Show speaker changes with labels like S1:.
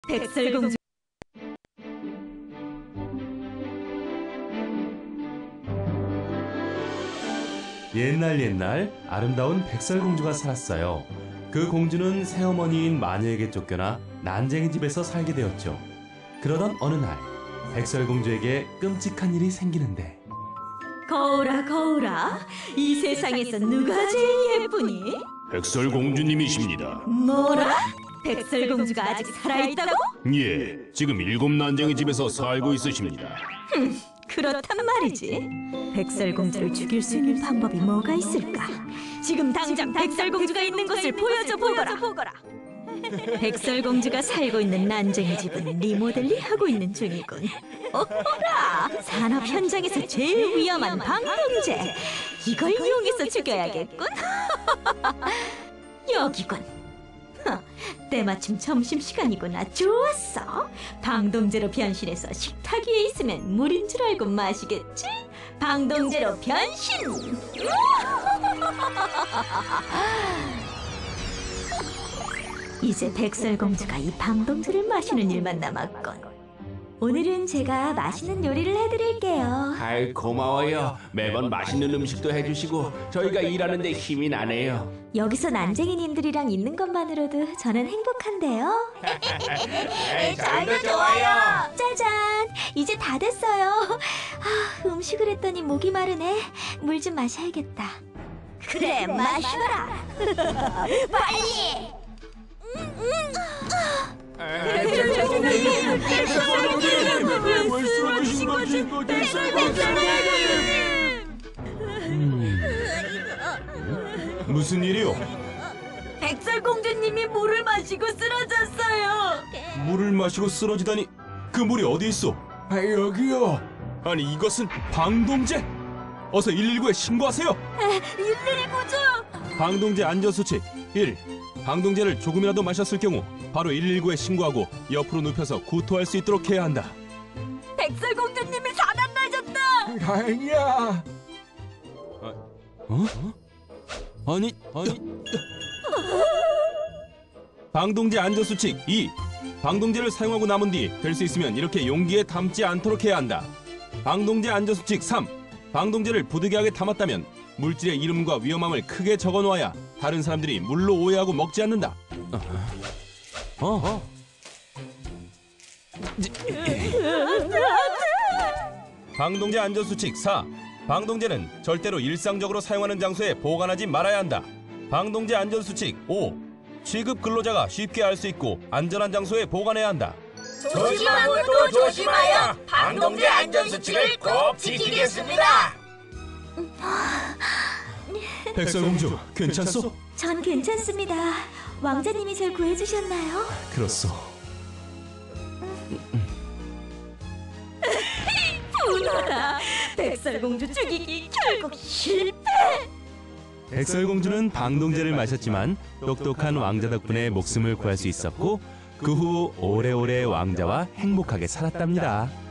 S1: 백설공주.
S2: 옛날 아름다운 백설공주가 살았어요. 그 공주는 새어머니인 마녀에게 쫓겨나 난쟁이 집에서 살게 되었죠. 그러던 어느 날 백설공주에게 끔찍한 일이 생기는데,
S1: 거울아 거울아, 이 세상에서 누가 제일 예쁘니?
S3: 백설공주님이십니다.
S1: 뭐라? 백설공주가 아직 살아있다고?
S3: 예, 지금 7난쟁이 집에서 살고 있으십니다.
S1: 그렇단 말이지. 백설공주를 죽일 수 있는 방법이 뭐가 있을까? 지금 당장 백설공주가 있는 곳을 보여줘 보거라. 백설공주가 살고 있는 난쟁이 집은 리모델링하고 있는 중이군. 오호라! 산업 현장에서 제일 위험한 방동제. 이걸 이용해서 죽여야겠군. 여기군. 때마침 점심시간이구나. 좋았어. 방동제로 변신해서 식탁 위에 있으면 물인 줄 알고 마시겠지? 방동제로 변신! 이제 백설공주가 이 방동제를 마시는 일만 남았건. 오늘은 제가 맛있는 요리를 해드릴게요.
S4: 아이, 고마워요. 매번 맛있는 음식도 해주시고 저희가 일하는데 힘이 나네요.
S1: 여기서 난쟁이님들이랑 있는 것만으로도 저는 행복한데요.
S4: 저희도 좋아요.
S1: 짜잔! 이제 다 됐어요. 음식을 했더니 목이 마르네. 물 좀 마셔야겠다. 그래, 마셔라. 빨리!
S2: 무슨 일이요?
S1: 백설공주님이 물을 마시고 쓰러졌어요.
S2: 물을 마시고 쓰러지다니, 그 물이 어디 있어?
S4: 여기요.
S2: 아니, 이것은 방동제! 어서 119에 신고하세요!
S1: 119죠?
S2: 방동제 안전수칙 1. 방동제를 조금이라도 마셨을 경우 바로 119에 신고하고 옆으로 눕혀서 구토할 수 있도록 해야 한다.
S1: 백설공주님이 사단나셨다.
S4: 다행이야.
S2: 아니. 방동제 안전수칙 2. 방동제를 사용하고 남은 뒤 될 수 있으면 이렇게 용기에 담지 않도록 해야 한다. 방동제 안전수칙 3. 방동제를 부득이하게 담았다면 물질의 이름과 위험함을 크게 적어놓아야 다른 사람들이 물로 오해하고 먹지 않는다. 방동제 안전수칙 4. 방동제는 절대로 일상적으로 사용하는 장소에 보관하지 말아야 한다. 방동제 안전수칙 5. 취급 근로자가 쉽게 알 수 있고 안전한 장소에 보관해야 한다.
S5: 조심하고 또 조심하여 방동제 안전수칙을 꼭 지키겠습니다.
S2: 백설공주, 괜찮소?
S1: 전 괜찮습니다. 왕자님이 절 구해주셨나요?
S2: 그렇소.
S1: 분하다. 백설공주 죽이기 결국 실패.
S2: 백설공주는 방동제를 마셨지만 똑똑한 왕자 덕분에 목숨을 구할 수 있었고 그 후 오래오래 왕자와 행복하게 살았답니다.